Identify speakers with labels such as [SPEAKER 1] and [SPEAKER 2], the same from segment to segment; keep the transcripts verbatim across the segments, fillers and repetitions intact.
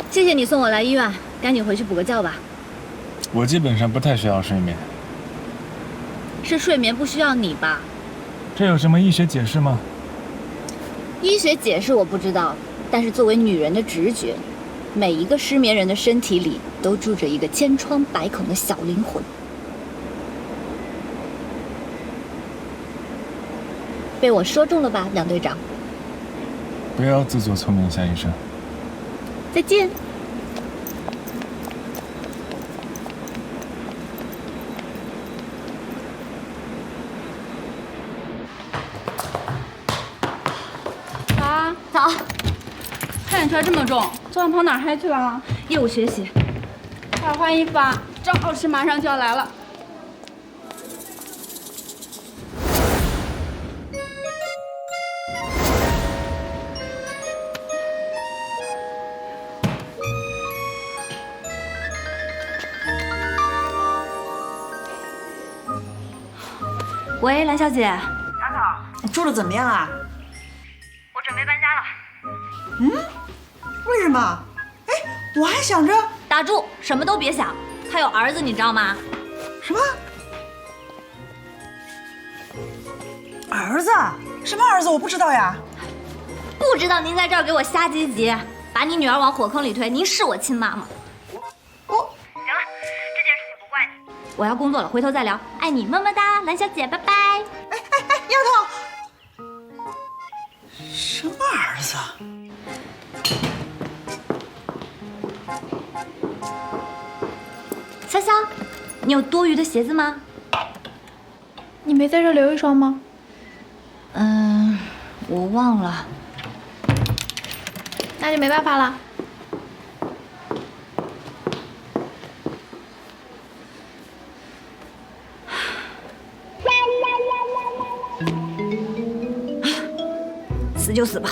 [SPEAKER 1] 谢谢你送我来医院，赶紧回去补个觉吧。
[SPEAKER 2] 我基本上不太需要睡眠。
[SPEAKER 1] 是睡眠不需要你吧？
[SPEAKER 2] 这有什么医学解释吗？
[SPEAKER 1] 医学解释我不知道，但是作为女人的直觉，每一个失眠人的身体里都住着一个千疮百孔的小灵魂。被我说中了吧，梁队长？
[SPEAKER 2] 不要自作聪明，夏医生。
[SPEAKER 1] 再见。
[SPEAKER 3] 早
[SPEAKER 1] 早。
[SPEAKER 3] 看眼圈这么重，昨晚跑哪儿嗨去了？
[SPEAKER 1] 业务学习。
[SPEAKER 3] 快换衣服啊，张老师马上就要来了。
[SPEAKER 1] 喂，蓝小姐。
[SPEAKER 4] 杨总，住的怎么样啊？
[SPEAKER 5] 我准备搬家了。
[SPEAKER 4] 嗯？为什么？哎，我还想着……
[SPEAKER 1] 打住，什么都别想。他有儿子，你知道吗？
[SPEAKER 4] 什么？儿子？什么儿子？我不知道呀。
[SPEAKER 1] 不知道您在这儿给我瞎唧唧，把你女儿往火坑里推，您是我亲妈吗？
[SPEAKER 4] 我……
[SPEAKER 5] 行了，这件事情不怪你。
[SPEAKER 1] 我要工作了，回头再聊。爱你，么么哒，蓝小姐，拜拜。
[SPEAKER 4] 哎哎哎，丫头，什么儿子？
[SPEAKER 1] 潇潇，你有多余的鞋子吗？
[SPEAKER 3] 你没在这留一双吗？
[SPEAKER 1] 嗯，我忘了。
[SPEAKER 3] 那就没办法了。
[SPEAKER 1] 死就死吧。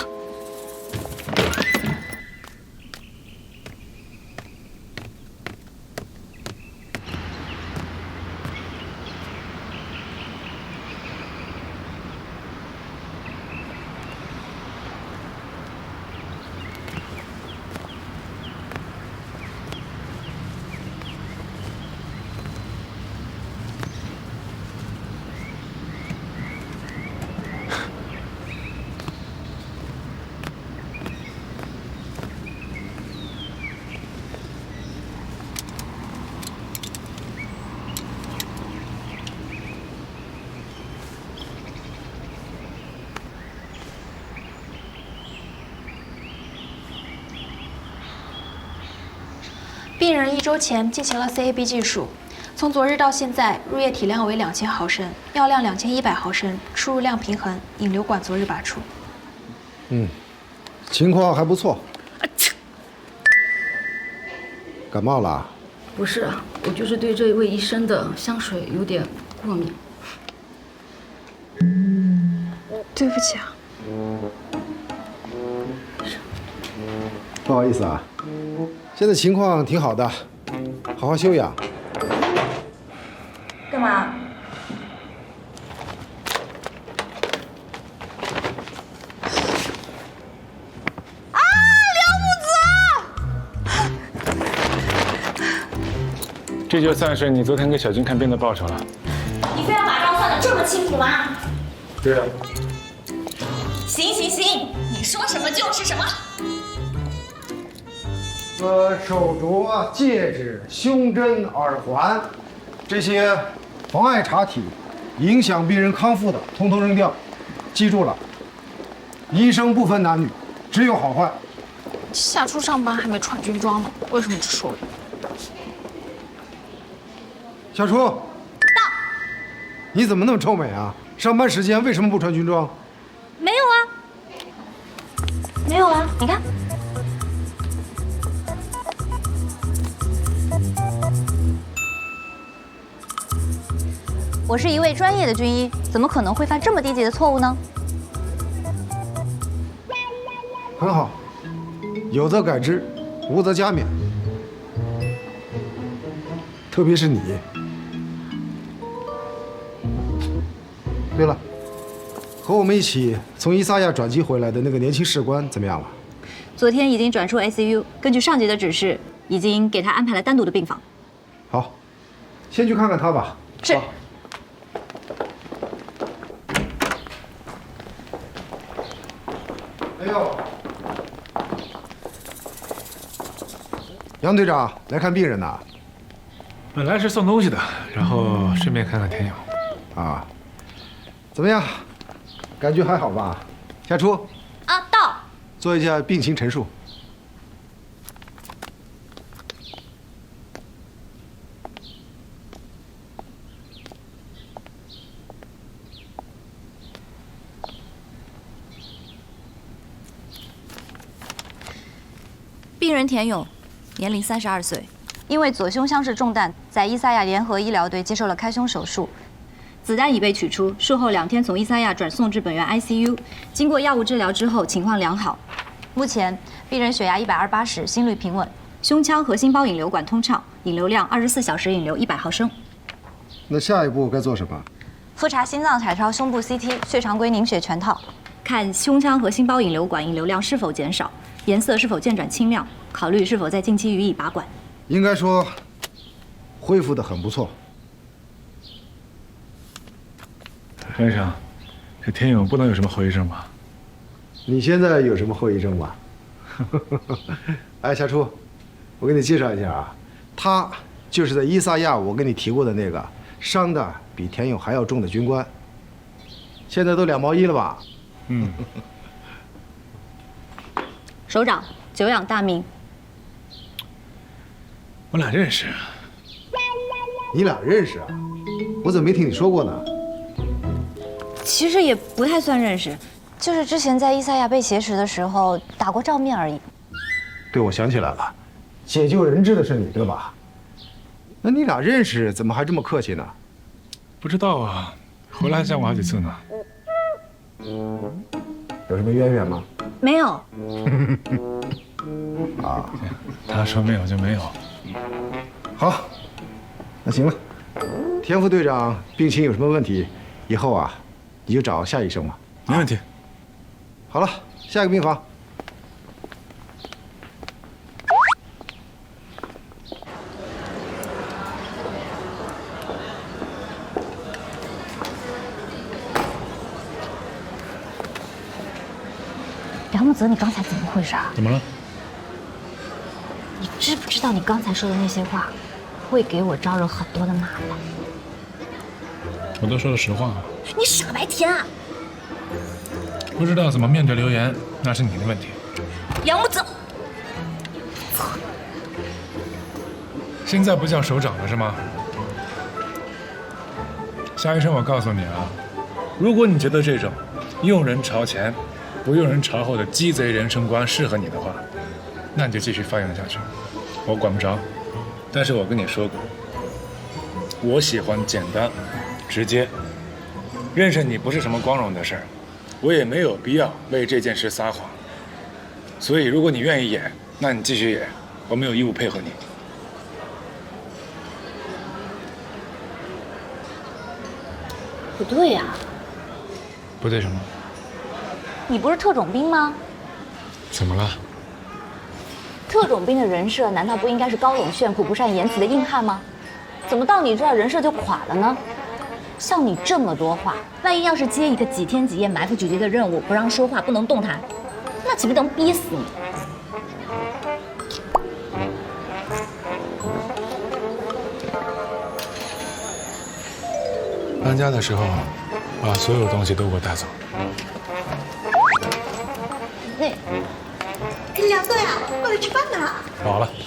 [SPEAKER 6] 病人一周前进行了 C A B 技术，从昨日到现在，入液体量为两千毫升，药量两千一百毫升，输入量平衡，引流管昨日拔出。
[SPEAKER 7] 嗯，情况还不错。感冒了？
[SPEAKER 8] 不是，我就是对这位医生的香水有点过敏。
[SPEAKER 3] 对不起啊。
[SPEAKER 7] 不好意思啊。现在情况挺好的，好好休养。
[SPEAKER 8] 干嘛？
[SPEAKER 4] 啊，梁木
[SPEAKER 2] 子！这就算是你昨天给小军看病的报酬了。
[SPEAKER 1] 你非要把账算得这么清楚吗？
[SPEAKER 2] 对啊。
[SPEAKER 1] 行行行，你说什么就是什么。
[SPEAKER 7] 呃，手镯、戒指、胸针、耳环，这些妨碍查体、影响病人康复的，统统扔掉。记住了，医生不分男女，只有好坏。
[SPEAKER 3] 夏初上班还没穿军装呢，为什么只说我？
[SPEAKER 7] 小初，到。你怎么那么臭美啊？上班时间为什么不穿军装？
[SPEAKER 1] 没有啊，没有啊，你看。我是一位专业的军医，怎么可能会犯这么低级的错误呢？
[SPEAKER 7] 很好，有则改之，无则加勉。特别是你。对了，和我们一起从伊萨亚转机回来的那个年轻士官怎么样了？
[SPEAKER 1] 昨天已经转出 I C U， 根据上级的指示，已经给他安排了单独的病房。
[SPEAKER 7] 好，先去看看他吧。
[SPEAKER 1] 是。
[SPEAKER 7] 好哎呦，杨队长来看病人呐？
[SPEAKER 2] 本来是送东西的，然后顺便看看田勇。
[SPEAKER 7] 啊，怎么样？感觉还好吧？夏初。
[SPEAKER 1] 啊，到。
[SPEAKER 7] 做一下病情陈述。
[SPEAKER 1] 病人田勇，年龄三十二岁，因为左胸腔室中弹，在伊萨亚联合医疗队接受了开胸手术，子弹已被取出，术后两天从伊萨亚转送至本院 I C U， 经过药物治疗之后情况良好。目前病人血压一百二十八十，心率平稳，胸腔和心包引流管通畅，引流量二十四小时引流一百毫升。
[SPEAKER 7] 那下一步该做什么？
[SPEAKER 1] 复查心脏彩超、胸部 C T、血常规凝血全套，看胸腔和心包引流管引流量是否减少，颜色是否渐转清亮，考虑是否在近期予以拔管。
[SPEAKER 7] 应该说，恢复得很不错。
[SPEAKER 2] 先生，这田勇不能有什么后遗症吧？
[SPEAKER 7] 你现在有什么后遗症吗？哎，夏初，我给你介绍一下啊，他就是在伊萨亚我跟你提过的那个伤的比田勇还要重的军官，现在都两毛一了吧？
[SPEAKER 2] 嗯。
[SPEAKER 1] 首长，久仰大名。
[SPEAKER 2] 我俩认识。
[SPEAKER 7] 你俩认识啊？我怎么没听你说过呢？
[SPEAKER 1] 其实也不太算认识，就是之前在伊萨亚被挟持的时候打过照面而已。
[SPEAKER 7] 对，我想起来了，解救人质的是你对吧？那你俩认识，怎么还这么客气呢？
[SPEAKER 2] 不知道啊，回来还见过好几次呢。
[SPEAKER 7] 有什么渊源吗？
[SPEAKER 1] 没有。
[SPEAKER 7] 啊，
[SPEAKER 2] 他说没有就没有。
[SPEAKER 7] 好，那行了。田副队长病情有什么问题，以后啊，你就找夏医生吧。
[SPEAKER 2] 没问题。
[SPEAKER 7] 好了，下一个病房。
[SPEAKER 1] 梁木泽，你刚才怎么回事啊？
[SPEAKER 2] 怎么了？
[SPEAKER 1] 你知不知道你刚才说的那些话，会给我招惹很多的麻烦？
[SPEAKER 2] 我都说了实话。
[SPEAKER 1] 你傻白甜啊！
[SPEAKER 2] 不知道怎么面对流言，那是你的问题。
[SPEAKER 1] 梁木泽，
[SPEAKER 2] 现在不叫首长了是吗？夏医生，我告诉你啊，如果你觉得这种用人朝前，不用人朝后的鸡贼人生观适合你的话，那你就继续发扬下去，我管不着。但是我跟你说过，我喜欢简单、直接。认识你不是什么光荣的事儿，我也没有必要为这件事撒谎。所以，如果你愿意演，那你继续演，我没有义务配合你。
[SPEAKER 1] 不对呀、啊，
[SPEAKER 2] 不对什么？
[SPEAKER 1] 你不是特种兵吗？
[SPEAKER 2] 怎么了？
[SPEAKER 1] 特种兵的人设难道不应该是高冷炫酷、不善言辞的硬汉吗？怎么到你这儿人设就垮了呢？像你这么多话，万一要是接一个几天几夜埋伏狙击的任务，不让说话，不能动弹，那岂不能逼死你？
[SPEAKER 2] 搬家的时候，把所有东西都给我带走。
[SPEAKER 1] 那，
[SPEAKER 4] 梁队啊，过来吃饭呢。
[SPEAKER 2] 好了。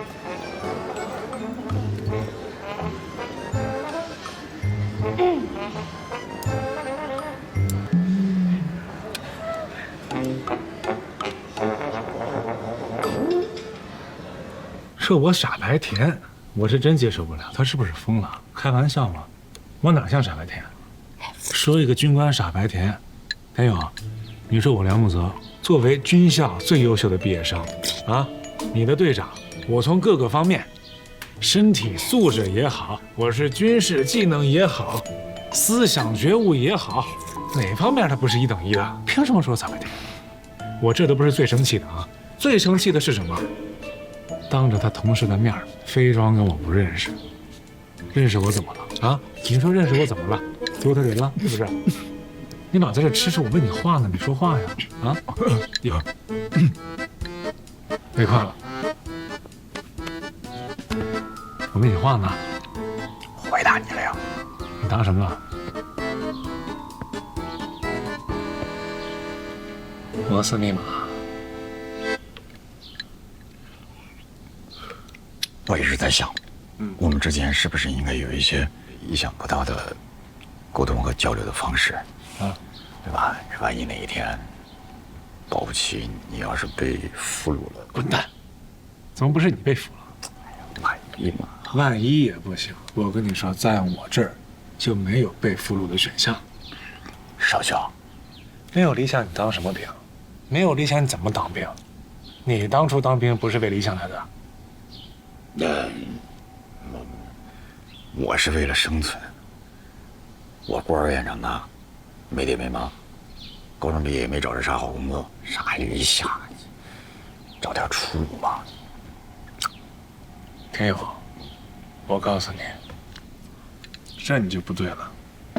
[SPEAKER 2] 说我傻白甜，我是真接受不了。他是不是疯了？开玩笑吗？我哪像傻白甜？说一个军官傻白甜，田勇，你说我梁木泽作为军校最优秀的毕业生啊，你的队长，我从各个方面，身体素质也好，我是军事技能也好，思想觉悟也好，哪方面他不是一等一的？凭什么说傻白甜？我这都不是最生气的啊， 最生气的是什么？当着他同事的面非装跟我不认识。认识我怎么了？啊？你说认识我怎么了？丢他人了是不是？你老在这吃吃，我问你话呢，你说话呀？啊？有。别看了，我问你话呢。
[SPEAKER 9] 回答你了呀？
[SPEAKER 2] 你答什么了？摩斯密码。
[SPEAKER 9] 我一直在想，嗯，我们之间是不是应该有一些意想不到的沟通和交流的方式？啊，对吧？万一哪一天，保不齐你要是被俘虏了，
[SPEAKER 2] 滚蛋！怎么不是你被俘了？
[SPEAKER 9] 万一嘛，
[SPEAKER 2] 万一也不行。我跟你说，在我这儿就没有被俘虏的选项。
[SPEAKER 9] 少校，
[SPEAKER 2] 没有理想你当什么兵？没有理想你怎么当兵？你当初当兵不是为理想来的？
[SPEAKER 9] 那、呃、我我是为了生存。我孤儿院长大，没爹没妈，高中毕业也没找着啥好工作，啥理想，找点出路吧。
[SPEAKER 2] 天佑，我告诉你，这你就不对了。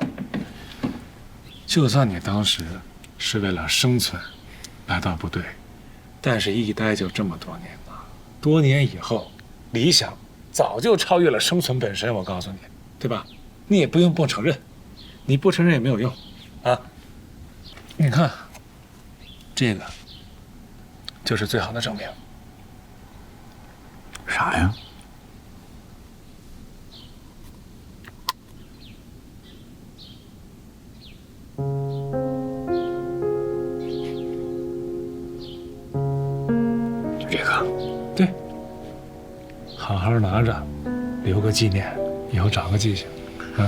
[SPEAKER 2] 就算你当时是为了生存来到部队，但是一待就这么多年了，多年以后，理想早就超越了生存本身。我告诉你，对吧？你也不用不承认，你不承认也没有用，啊！你看，这个就是最好的证明。
[SPEAKER 9] 啥呀？就这个？
[SPEAKER 2] 对，好好拿着，留个纪念，以后长个记性，啊。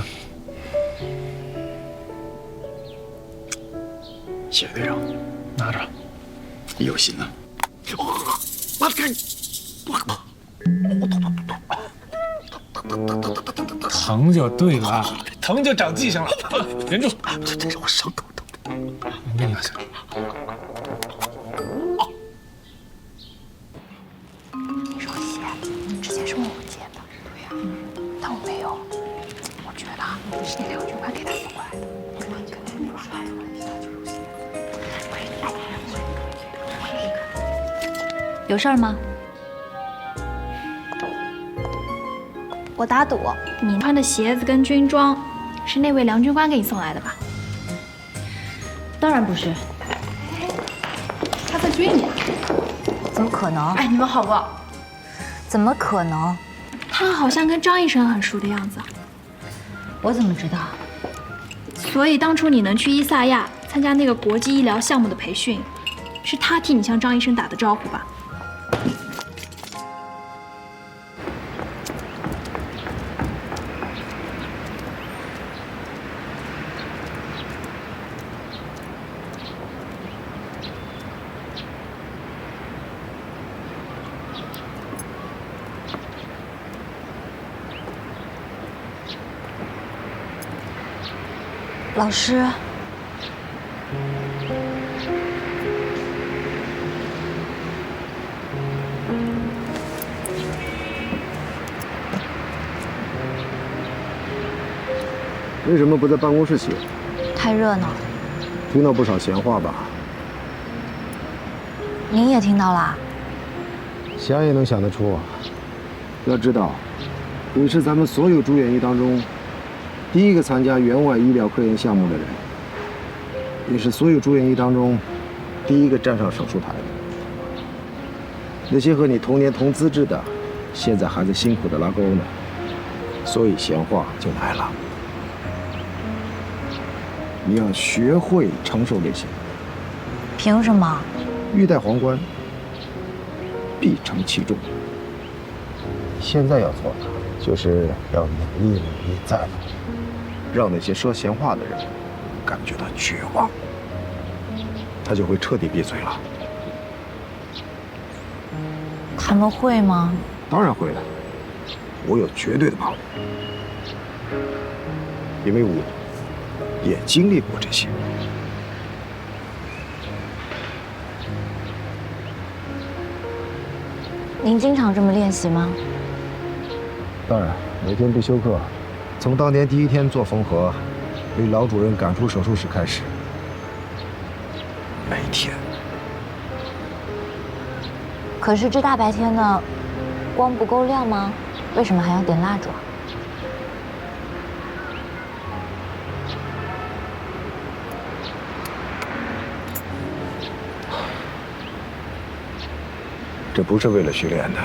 [SPEAKER 9] 谢谢队长，
[SPEAKER 2] 拿着，
[SPEAKER 9] 有心啊。我看，
[SPEAKER 2] 疼就对了，疼就长记性了。忍住，
[SPEAKER 9] 这这让我伤口疼。
[SPEAKER 2] 你咽下去。
[SPEAKER 6] 你手写之前是问我借的，对呀，但我没有。我觉得是那两句话给他送过来的。
[SPEAKER 1] 有事儿吗？
[SPEAKER 6] 我打赌，你穿的鞋子跟军装，是那位梁军官给你送来的吧？
[SPEAKER 1] 当然不是，
[SPEAKER 6] 他在追你啊？
[SPEAKER 1] 怎么可能？
[SPEAKER 6] 哎，你们好不好？
[SPEAKER 1] 怎么可能？
[SPEAKER 6] 他好像跟张医生很熟的样子。
[SPEAKER 1] 我怎么知道？
[SPEAKER 6] 所以当初你能去伊萨亚参加那个国际医疗项目的培训，是他替你向张医生打的招呼吧？
[SPEAKER 1] 老师，
[SPEAKER 7] 为什么不在办公室写？
[SPEAKER 1] 太热闹，
[SPEAKER 7] 听到不少闲话吧？
[SPEAKER 1] 您也听到了？
[SPEAKER 7] 想也能想得出啊。要知道，你是咱们所有住院医当中第一个参加援外医疗科研项目的人，也是所有住院医当中第一个站上手术台的。那些和你同年同资质的，现在还在辛苦的拉钩呢，所以闲话就来了。你要学会承受这些。
[SPEAKER 1] 凭什么？
[SPEAKER 7] 欲戴皇冠，必承其重。现在要做的就是要努力努力再努力，让那些说闲话的人感觉到绝望，他就会彻底闭嘴了。
[SPEAKER 1] 他们会吗？
[SPEAKER 7] 当然会了，我有绝对的把握，因为我也经历过这些。
[SPEAKER 1] 您经常这么练习吗？
[SPEAKER 7] 当然，每天不休课，从当年第一天做缝合，被老主任赶出手术室开始，每天。
[SPEAKER 1] 可是这大白天的，光不够亮吗？为什么还要点蜡烛啊？
[SPEAKER 7] 这不是为了训练的，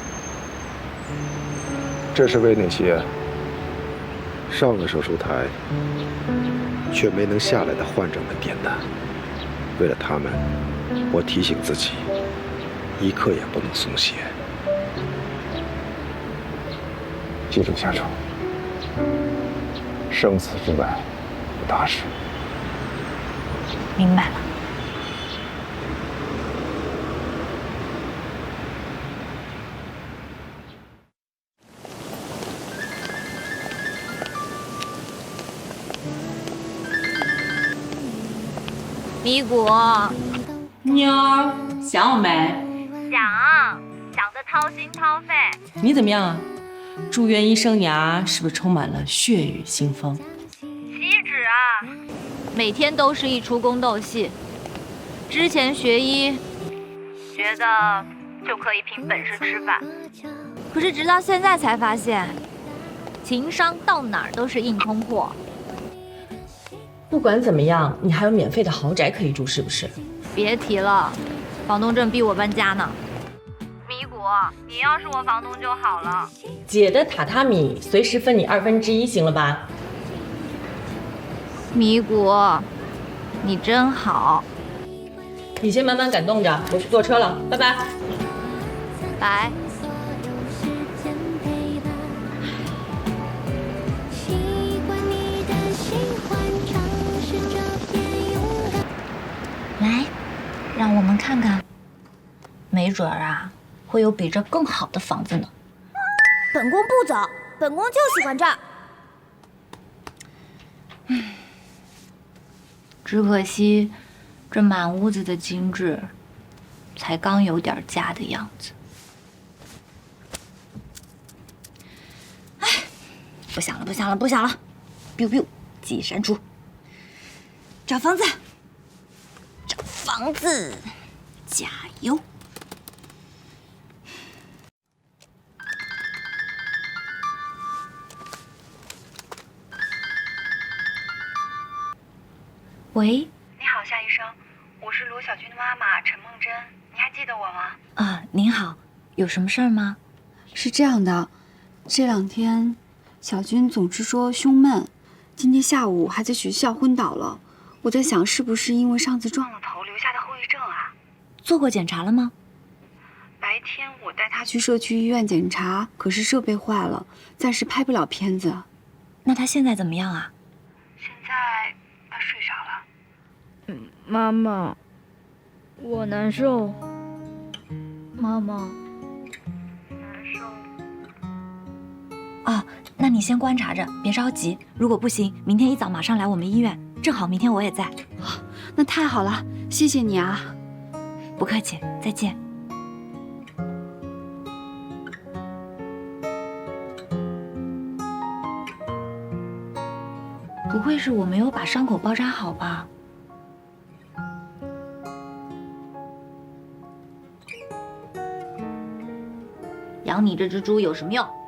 [SPEAKER 7] 这是为那些上了手术台却没能下来的患者们点的。为了他们，我提醒自己，一刻也不能松懈。记住，夏楚，生死之外无大事。
[SPEAKER 1] 明白了。米谷，
[SPEAKER 10] 妞儿想我没？
[SPEAKER 5] 想，想得掏心掏肺。
[SPEAKER 10] 你怎么样啊？住院医生涯是不是充满了血雨腥风？
[SPEAKER 5] 岂止啊！
[SPEAKER 1] 每天都是一出宫斗戏。之前学医，
[SPEAKER 5] 觉得就可以凭本事吃饭，
[SPEAKER 1] 可是直到现在才发现，情商到哪儿都是硬通货。
[SPEAKER 10] 不管怎么样，你还有免费的豪宅可以住，是不是？
[SPEAKER 1] 别提了，房东正逼我搬家呢。
[SPEAKER 5] 米谷，你要是我房东就好了。
[SPEAKER 10] 姐的榻榻米随时分你二分之一，行了吧？
[SPEAKER 1] 米谷，你真好。
[SPEAKER 10] 你先慢慢感动着，我去坐车了，拜拜。
[SPEAKER 1] 拜。来，让我们看看，没准儿啊，会有比这更好的房子呢。
[SPEAKER 11] 本宫不走，本宫就喜欢这儿。
[SPEAKER 1] 嗯，只可惜，这满屋子的精致，才刚有点家的样子。哎，不想了，不想了，不想了 ，biu biu， 记忆删除。找房子。房子，加油！喂，
[SPEAKER 5] 你好，夏医生，我是罗小军的妈妈陈梦真，你还记得我吗？
[SPEAKER 1] 啊，您好，有什么事儿吗？
[SPEAKER 4] 是这样的，这两天小军总是说胸闷，今天下午还在学校昏倒了。我在想，是不是因为上次撞了头留下的后遗症啊？
[SPEAKER 1] 做过检查了吗？
[SPEAKER 4] 白天我带他去社区医院检查，可是设备坏了，暂时拍不了片子。
[SPEAKER 1] 那他现在怎么样啊？
[SPEAKER 5] 现在他睡着了。
[SPEAKER 3] 嗯，妈妈，我难受。妈妈，
[SPEAKER 5] 难受。
[SPEAKER 1] 哦，那你先观察着，别着急。如果不行，明天一早马上来我们医院。正好明天我也在。
[SPEAKER 4] 哦，那太好了，谢谢你啊。
[SPEAKER 1] 不客气，再见。不会是我没有把伤口包扎好吧？养你这只猪有什么用？